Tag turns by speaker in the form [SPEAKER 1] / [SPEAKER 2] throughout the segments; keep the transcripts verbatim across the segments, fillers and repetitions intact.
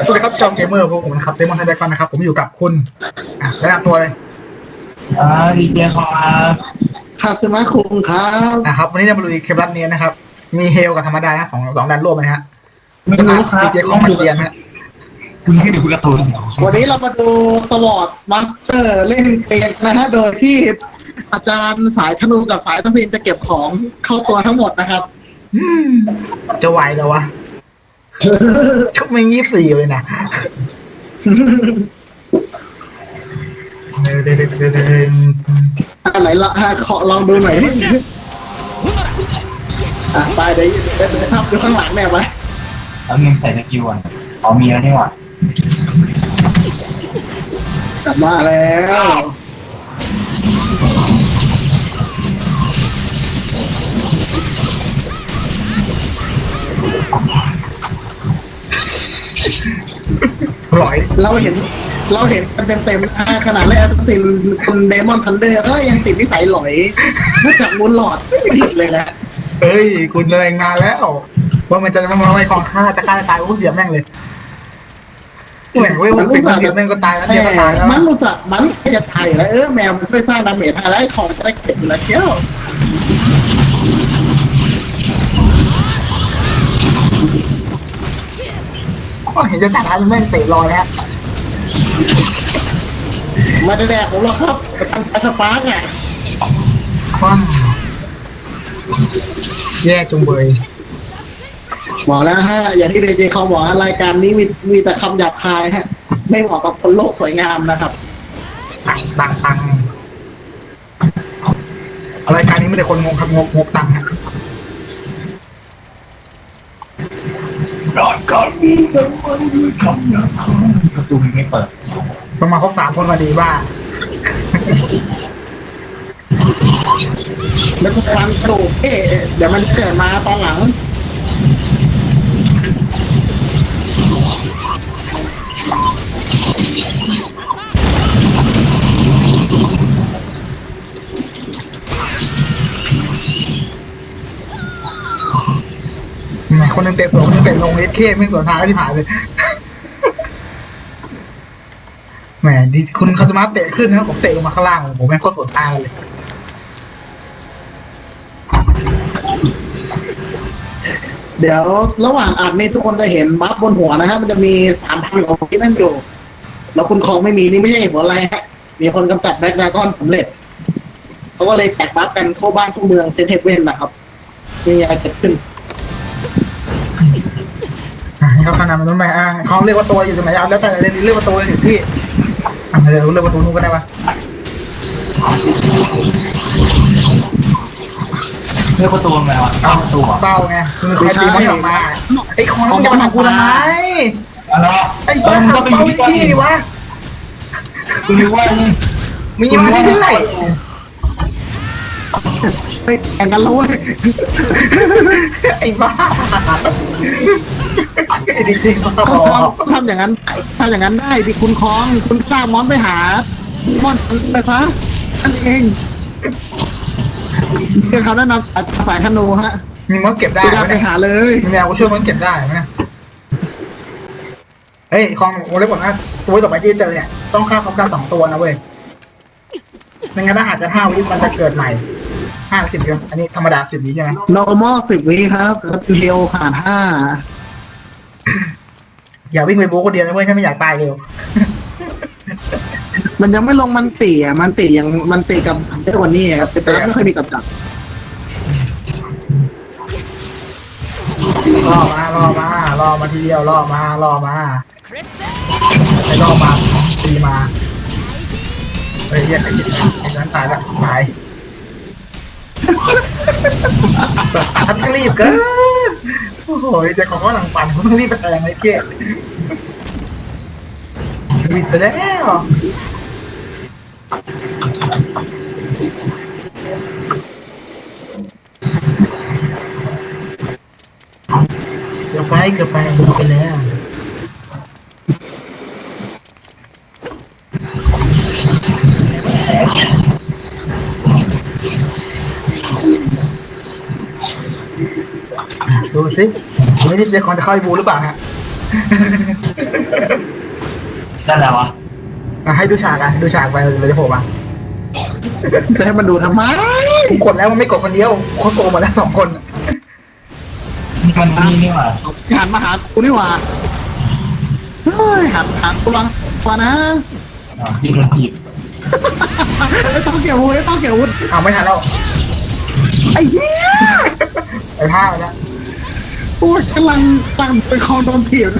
[SPEAKER 1] สวัสดีครับจอมเกมเมอร์พวกผมนะครับเดมอนไทเดกอนนะครับผมอยู่กับคุณอ่ะแนะนำตัวเลย
[SPEAKER 2] อ่าดีเจครับ
[SPEAKER 3] คาสมาคุงครับ
[SPEAKER 1] อ่ะครับวันนี้จะมาลุยเคปรัสเนียนะครับมีเฮลกับธรรมดานะสองสองดันร่วมนะฮะ
[SPEAKER 2] ไม่
[SPEAKER 1] จะมา
[SPEAKER 2] รู้ครับ
[SPEAKER 1] ดีเจของมันเดียนนะ
[SPEAKER 2] คุณให้ดูการ์ตูน
[SPEAKER 3] วันนี้เรามาดูสวอตมาสเตอร์เล่นเกมนะฮะโดยที่อาจารย์สายธนูกับสายทัศนจะเก็บของเข้าตัวทั้งหมดนะครับ
[SPEAKER 1] อืมจะไหวเหรอวะชุบไม่ยี่สี่เลยนะเดินเดินเดินเดิน
[SPEAKER 3] อันไหนละฮะขอลองดูหน่อยอ่ะไปเดี๋ยวเดี๋ยวจะทับดูข้างหลังแน่ไหม
[SPEAKER 2] แล้วนึงใส่สกิลอ่ะอ๋อมีแล้วนี่หว่าก
[SPEAKER 3] ลับมาแล้ว
[SPEAKER 1] ร้อย
[SPEAKER 3] เราเห็นเราเห็นกันเต็มๆอ่ะขนาดเล่นแอสซินคุณเดมอนทันเดอร์ก็ยังติดนิสัยหลอยนอกจากมูลหลอดไม่ผิดเลยนะ
[SPEAKER 1] เฮ้ยคุณเลยนานแล้วว่ามันจะมาไว้ของฆ่าจะฆ่าจะตายโอ้เสียแม่งเลยแหม่งเว้ยมันเสียแม่งก็ตายแล้วเนี่ยก็ตายแล้ว
[SPEAKER 3] มันรู้สึกมันจะไถ่แล้วเออแมวมันช่วยสร้างดาเมจอะไรของจะได้เก็บอยู่แล้วเชียว
[SPEAKER 1] ก็เห็นจะจัดร้านแม่งเตะรอแล้ว
[SPEAKER 3] มาแดกของเราครับทางสายสปาร์กอ่ะ
[SPEAKER 1] ว้าวแย่จงเบย
[SPEAKER 3] บอกแล้วฮะอย่างที่เดเจเขาบอกรายการนี้มีมีแต่คำหยาบคายฮะไม่เหมาะกับคนโลกสวยงามนะครับ
[SPEAKER 1] ตังตังตังรายการนี้ไม่ได้คนงงครับงกงกตังฮะ
[SPEAKER 2] รอดก่อนมีแต่มันด้วยคำหยาบคายประตูไม่เปิด
[SPEAKER 1] ต้องมาครบสามคนมาดีบ้า
[SPEAKER 3] แล้วก็ฟันกระดูกเอ๊ะเดี๋ยวมันเกิดมาตอนหลัง
[SPEAKER 1] คนนึงเตะสวนคนนึงเตะลงเอสเคไม่สวนทางก็ที่ผ่านเลยแหมดีคุณคาสมาเตะขึ้นนะครับผมเตะลงมาข้างล่างผมแม่งโคตรสวนทางเลย
[SPEAKER 3] เดี๋ยวระหว่างอัดนี่ทุกคนจะเห็นบัฟบนหัวนะฮะมันจะมีสามพันของที่นั่นอยู่แล้วคุณคองไม่มีนี่ไม่ใช่หัวอะไรฮะมีคนกำจัดแบล็กดราก้อนสำเร็จเขาก็เลยแตกบัฟกันเข้าบ้านเข้าเมืองเซนเทเว่นนะครับมีอะไรเกิดขึ้น
[SPEAKER 1] เขาขนาดมันนู้นไหมอ่ะเขาเรียกว่าตัวอยู่ตรงไหนเอาแล้วแต่เรียกว่าตัวเลยถึงพี่อ่ะเดี๋ยวเรียกว่าตัวนู้นก็ได้ปะ
[SPEAKER 2] เลือกประตูไงวะ
[SPEAKER 1] เอา
[SPEAKER 2] ประตูอ่ะ
[SPEAKER 1] เต้าไงคือใครตีมันออกมาไอ้คอนมันจะมาทำกูทำไม
[SPEAKER 2] อะไร
[SPEAKER 1] ไอ้บ้า
[SPEAKER 2] ก็ไปอ
[SPEAKER 1] เป้า
[SPEAKER 2] ยู่
[SPEAKER 1] วิ
[SPEAKER 2] ที่
[SPEAKER 1] ธีดิวะ
[SPEAKER 2] คุณรู้ว่านี่
[SPEAKER 1] มีมาเรื่อย
[SPEAKER 3] เฮ้ยแข่งกันแล้วเว้ย
[SPEAKER 1] ๆไอ้บ้าไอ้จริงๆบ้า
[SPEAKER 3] ก็
[SPEAKER 1] บอ
[SPEAKER 3] ทำทำอย่างนั้นทำอย่างนั้นได้ดิคุณคองคุณกล้ามอนไปหามอนไปซะนั่นเองเรื่องคำแนะนำอาสายธนูฮะ
[SPEAKER 1] มีมันเก็บได้
[SPEAKER 3] ไป
[SPEAKER 1] ไหม
[SPEAKER 3] ไปหาเลย
[SPEAKER 1] มีแนวกูช่วยมันเก็บได้ไหมเฮ้ยคองโอ้เล็กกว่านะตัวต่อไปที่เจอเนี่ยต้องฆ่าพร้อมกันสองตัวนะเว้ยไม่งั้นถ้าหากจะห้าวิมันจะเกิดใหม่ห้าสิบเดียวอันนี้ธรรมดาสิบวิใช่ไหม
[SPEAKER 3] normal สิบวิครับแล้วเฮลผ่านห้า
[SPEAKER 1] อย่าวิ่งไปโบกคนเดียวนะเว้ยถ้าไม่อยากตายเร็ว
[SPEAKER 3] มันยังไม่ลงมันตีอ่ะมันตียังมันตีกับเจ้าคนนี้ครับเซปรัสไม่ค่อยมีกับดัก
[SPEAKER 1] รอมารอมารอมาทีเดียวรอมารอมาไอ้รอมาตีมาเฮ้ยเรียกไอ้ยิงไอ้นั้นตายละสุดท้ายทัดรีบเกินโอ้โหเจ้าของก็หลังปั่นเขาต้องรีบไปแทงไอ้เกี้ยวิดไปแล้วเกือบไปเกือบไปดูไปแล้วดูสิไม่ได้เจคอนจะเข้าไอ้บูหรือเปล่าฮะ
[SPEAKER 2] นั่นแหละวะ
[SPEAKER 1] อ่ะให้ดูฉากอ่ะดูฉากไปเราจะโผล่มา
[SPEAKER 3] จะให้มันดูทำไม
[SPEAKER 1] กูกดแล้วมันไม่กดคนเดียวเขาโกงมาแล้วสองคน
[SPEAKER 2] นี่มันนี่นี่หว่า
[SPEAKER 3] หันมาหากูนี่หว่าเฮ้ยหันหันกูลังก่อนนะ
[SPEAKER 2] อ่าที่โดนถีบ
[SPEAKER 3] ไม่ต้องเกี่ยววุ้ไม่ต้องเกี่ยววุ้
[SPEAKER 1] เอาไม่ทันแล้ว
[SPEAKER 3] ไอ้เหี้ย
[SPEAKER 1] ไปผ้าไปแล้ว
[SPEAKER 3] โอ้ยกำลังกำลังไปคลองโดนถีบ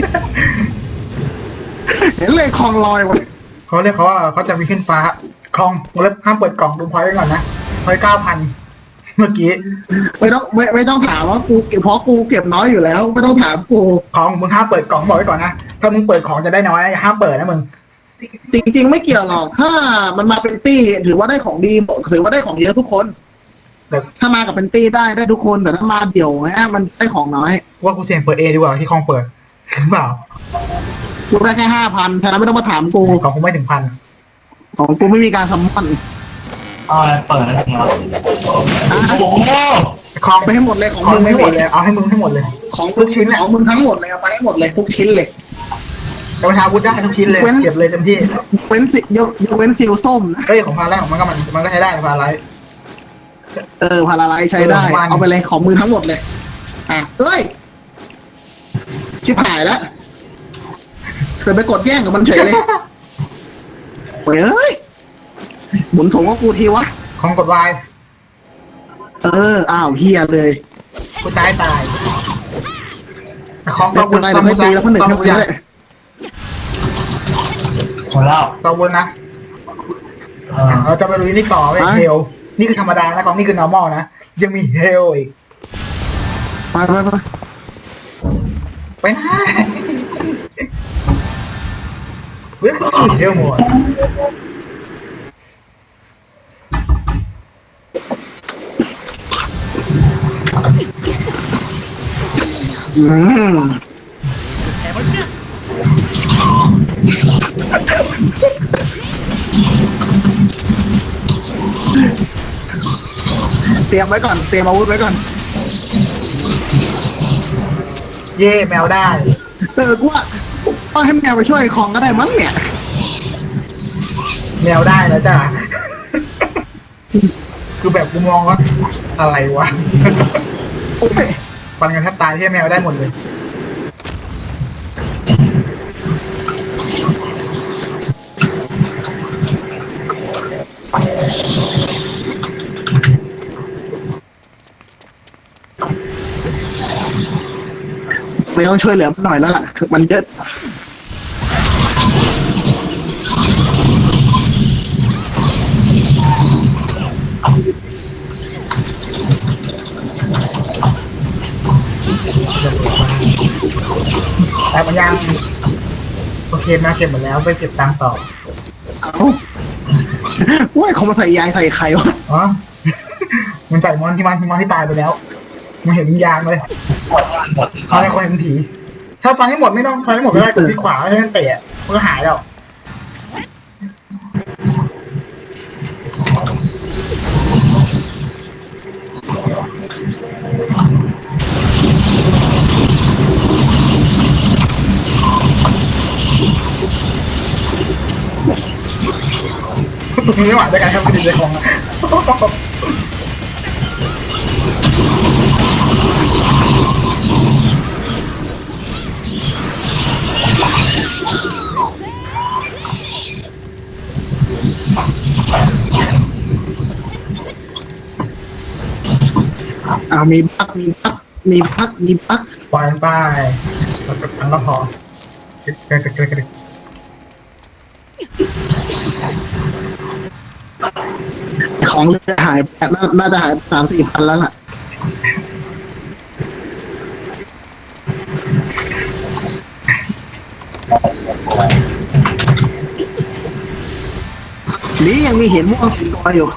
[SPEAKER 3] เห็นเลยคลองลอยหมด
[SPEAKER 1] เขาเรียกเขาว่าเขาจะมีขึ้นฟ้าคลองวงเล็บห้ามเปิดกล่องดูพอยต์ไว้ก่อนนะพอยต์เก้าพันเมื่อกี้
[SPEAKER 3] ไม่ต้องไม่ไม่ต้องถามว่ากูเก็บเพราะกูเก็บน้อยอยู่แล้ว ไม่ต้องถามกู
[SPEAKER 1] ของมึงห้ามเปิดกล่องบอกไว้ก่อนนะถ้ามึงเปิดของจะได้น้อยอย่าห้ามเปิดนะมึง
[SPEAKER 3] จริง ๆ ไม่เกี่ยวหรอกถ้ามันมาเป็นตี้ถือว่าได้ของดีถือว่าได้ของเยอะทุกคน
[SPEAKER 1] แต่
[SPEAKER 3] ถ้ามากับเป็นตี้ได้ได้ทุกคนแต่ถ้ามาเดี่ยวเนี่ยมันได้ของน้อย
[SPEAKER 1] ว่ากูเสี่ยงเปิดเอดีกว่าที่คลองเปิดหรือเปล่า
[SPEAKER 3] กูได้แค่ห้าพันฉะนั้นไม่ต้องมาถามกู
[SPEAKER 1] ของกูไม่ถึงพัน
[SPEAKER 3] ของกูไม่มีการซัมมอน
[SPEAKER 2] อ๋อเปิดแล้วเนาะ
[SPEAKER 3] อ่ะ
[SPEAKER 2] โอ้โห
[SPEAKER 1] คลอง
[SPEAKER 3] ไปให้หมดเลยของ
[SPEAKER 1] ของ
[SPEAKER 3] มึง
[SPEAKER 1] ไม่
[SPEAKER 3] ให้
[SPEAKER 1] ห
[SPEAKER 3] ห
[SPEAKER 1] ม
[SPEAKER 3] ม
[SPEAKER 1] ด
[SPEAKER 3] ด
[SPEAKER 1] เลยเอาให้มึงให้หมดเลย
[SPEAKER 3] ของ
[SPEAKER 1] ทุกชิ้นอะ
[SPEAKER 3] ของมึงทั้งหมดเลยเอาไปให้หมดเลยทุกชิ้นเลย
[SPEAKER 1] แต่ประชาวุธได้ทุกชิ้นเลย
[SPEAKER 3] เว้น
[SPEAKER 1] เก็บเลยเต็มที่
[SPEAKER 3] เว้นสิยกยกเว้นซิลส้มนะ
[SPEAKER 1] เฮ้ยของพาแรกของมันก็มันมันก็ใช้ได้นะพาไร
[SPEAKER 3] เออพาราไลซ์ใช้ได้
[SPEAKER 1] เออของมัน
[SPEAKER 3] เอาไปเลยของมือทั้งหมดเลยอ่ะเอ้ยชิบหายแล้วเสือไปกดแย่งกับมันเฉยเลยเฮ้ยหมุนส่งว่ากูทีวะ
[SPEAKER 1] ของกดวาย
[SPEAKER 3] เอออ้าวเฮียเลย
[SPEAKER 1] กูตายตายแต่ของ
[SPEAKER 3] ไม่
[SPEAKER 1] ต้อง
[SPEAKER 3] เป็นไรเดี๋ยวไม่ตีแล้วเพื่อนหนึ่ง
[SPEAKER 1] ต้
[SPEAKER 3] แค่
[SPEAKER 1] อง
[SPEAKER 3] นี้แหละ
[SPEAKER 2] หมดแล้ว
[SPEAKER 1] ต้องวนนะ
[SPEAKER 2] อ่า
[SPEAKER 1] เราจะไปลุยนี่ต่อเว้ยเฮลนี่คือธรรมดานะของนี่คือ normal นะยังมีเฮลอีก
[SPEAKER 3] ไปไปไป
[SPEAKER 1] ไปนะเว้ยคือเฮลหมด
[SPEAKER 3] อืมเตรียมไว้ก่อน เตรียมอาวุธไว้ก่อน
[SPEAKER 1] เย่แมวได้
[SPEAKER 3] เออกูว่าต้องให้แมวไปช่วยของก็ได้มั้งเนี่ย
[SPEAKER 1] แมวได้แล้วจ้ะ คือแบบกูมองว่าอะไรวะ
[SPEAKER 3] โอ้ย
[SPEAKER 1] ฟันกันแทบตายที่แมวได้หมดเลย
[SPEAKER 3] ไม่ต้องช่วยเหลือมันหน่อยแล้วล่ะคือมันเยอะ
[SPEAKER 1] แต่มันยังโอเคนะเก็บหมดแล้วไปเก็บตังค์ต่อ
[SPEAKER 3] เอาว่าเขามาใส่ยางใส่ไข่วะ
[SPEAKER 1] อ๋อ มันใส่มอนที่มันที่มอนที่ตายไปแล้วมันเห็นยางเลย
[SPEAKER 2] หมดหมด
[SPEAKER 1] เขาให้คนเห็นผีถ้าฟันให้หมดไม่ต้องฟันให้หมดไม่ได้กดที่ขวาให้มันเตะมันก็หายแล้ว ตุ้มไม่ไหวด้วยกันครับไม่ดีใจของอะ
[SPEAKER 3] อ่ามีพักมีพักมีพักมีพัก
[SPEAKER 1] ปล่อยมันไปแล้วก็ทั้งก็พอเกระกระกระกระ
[SPEAKER 3] ของเรือหายไปน่าน่าจะหายสามสี่พันแล้วล่ะนี่ยังมีเห็นม่วงสีตัวอยู่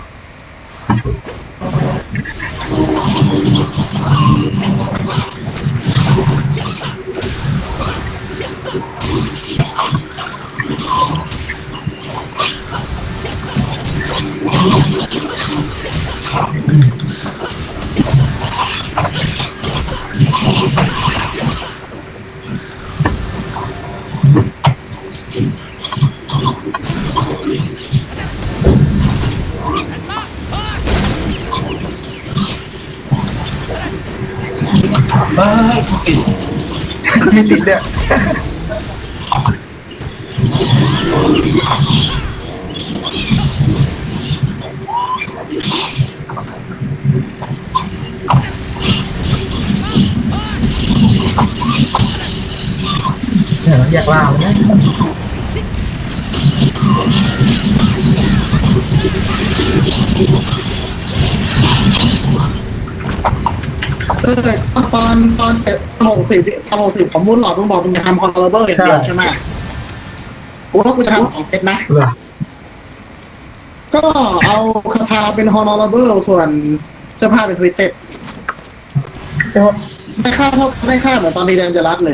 [SPEAKER 1] เ
[SPEAKER 2] เฮ้ยกูติด
[SPEAKER 1] มีติดเนี่ยเนี่ยเราแยกล่ามันนะ
[SPEAKER 3] เออตอนตอนเจ็ดหกสิบตอนหกสิบผมมุดหลอดมึงบอกมึงจะทำคอนโทรลเบอร์อย่างเดียวใช่ไหมกูว่ากูจะทำสองเซตนะ
[SPEAKER 1] เหรอ
[SPEAKER 3] ก็เอาคาถาเป็นฮอนอร์เบอร์ส่วนเสื้อผ้าเป็นทวิตเต็ด
[SPEAKER 1] เดี๋ยว
[SPEAKER 3] ได้ค่าเท่าได้ค่าเหมือนตอนนี้แดนจะรัดเลย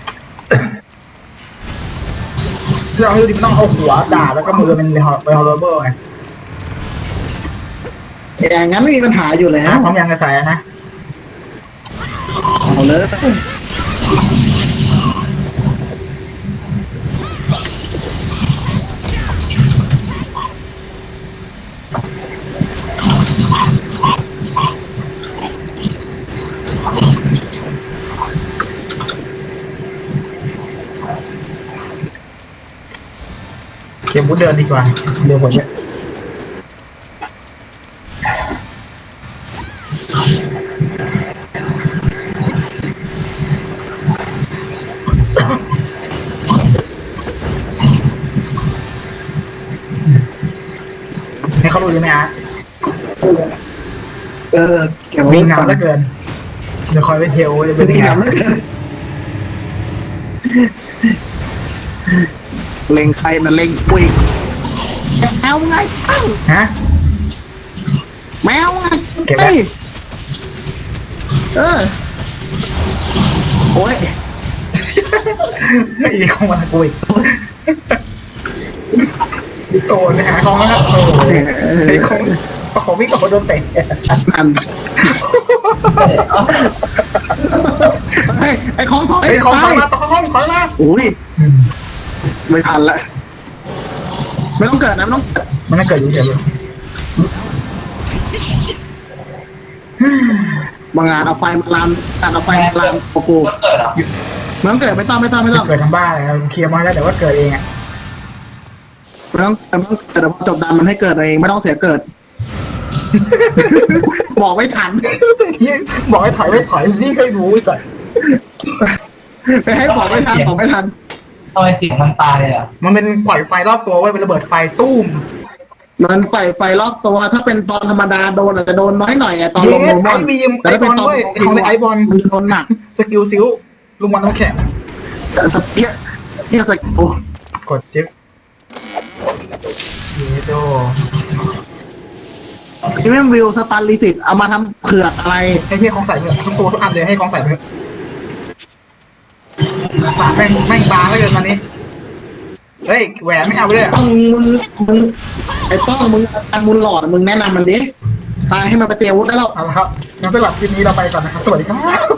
[SPEAKER 1] เราคือมันต้องเอาหัวด่าแล้วก็มือเป็นฮอร์เบอร์ไง
[SPEAKER 3] อย่างนั้นไม่มีปัญหาอยู่แล้
[SPEAKER 1] นะ
[SPEAKER 3] ว
[SPEAKER 1] พร้อมยังจะใส่นะ
[SPEAKER 3] เอาเลย
[SPEAKER 1] เข็มบุดเดินดีกว่าเร็วกว่าเยอะให้เขารู้ดีไหมฮะ
[SPEAKER 3] เออเก็บ
[SPEAKER 1] วิ่ง
[SPEAKER 3] ไว้
[SPEAKER 1] นำเหลือเกินจะคอยเป็นเทลจะเป็น
[SPEAKER 3] วิ่ง
[SPEAKER 1] ไง
[SPEAKER 3] นำแล้วกันเล็งใครนะเล็งปุยแมวไงเอ้า
[SPEAKER 1] ฮะ
[SPEAKER 3] แมวไง
[SPEAKER 1] เก็บไว้
[SPEAKER 3] อ้ยเออโอ้ย
[SPEAKER 1] อีกของมันกูอีกโตไปหาของแล้วครับโอ้ยไอ้ของของวิ่งกับคนโดนเตะ
[SPEAKER 3] นั่นไอ้ไอ้ของถอย
[SPEAKER 1] ไอ้ของถอย
[SPEAKER 3] ไป
[SPEAKER 1] มาต่อของถอยมา
[SPEAKER 3] อุ้ยไม่ทันละไม่ต้องเกิดนะไม่ต้องเกิด
[SPEAKER 1] มันน่าเกิดอยู่เฉยเลย
[SPEAKER 3] บางงานเอาไฟมาลามการเอาไฟมาลามโกโก้
[SPEAKER 2] มันเกิดอ่ะ
[SPEAKER 3] ไม่ต้องเกิดไม่ต้องไม่ต้องไม่ต้อง
[SPEAKER 1] เกิดทำบ้าอะไรเคลียร์มาแล้วแต่ว่าเกิดเองอ่ะ
[SPEAKER 3] ไม่ต้องไม่ต้องเกิดแต่พอจบดันมันให้เกิดเองไม่ต้องเสียเกิด บอกไม่ทัน
[SPEAKER 1] บอกให้ถอยไม่ถอยนี่เคยรู้จัด
[SPEAKER 3] ไปให้บอกไม่ทันบอกไม่ทัน
[SPEAKER 2] ทำไมเสียงมันตายอ่ะ
[SPEAKER 1] มันเป็นปล่อยไฟรอบตัวไว้เป็นระเบิดไฟตุ้ม
[SPEAKER 3] มันใส่ไฟรอบตัวถ้าเป็นตอนธรรมดาโดนอาจจะโดนน้อยหน่อยอะตอน
[SPEAKER 1] เย้
[SPEAKER 3] ลงโนม
[SPEAKER 1] ไอ
[SPEAKER 3] อน
[SPEAKER 1] บีม
[SPEAKER 3] แต่
[SPEAKER 1] ไอ
[SPEAKER 3] ถ้า
[SPEAKER 1] บ
[SPEAKER 3] เป็น
[SPEAKER 1] อล
[SPEAKER 3] ตอน
[SPEAKER 1] เว้ยของในไอบอล
[SPEAKER 3] มันจะโดนหนัก
[SPEAKER 1] สกิลซิลลุงบอลต้องแข็ง
[SPEAKER 3] สเปียเปียสกโอ้
[SPEAKER 1] กดจิ๊บเยโด
[SPEAKER 3] ที่แม่งวิวสตันลิสิตเอามาทำเผือกอะไร
[SPEAKER 1] ให้ที่ของใส่เพื่อทุกตัวทุกอันเลยให้ของใส่เพื่อปากแม่งแม่งบางแล้วเกินตอนนี้เฮ้ยแหวนไม่เอาไปเลย
[SPEAKER 3] ต้องมึงมึงไอ้ต้องมึงอันมุนหลอดมึงแนะนำมันดิตายให้มันไปเตรียมอาวุธได้แล้ว
[SPEAKER 1] เอาละครับงั้นสำหรับคลิปนี้เราไปก่อนนะครับสวัสดีครับ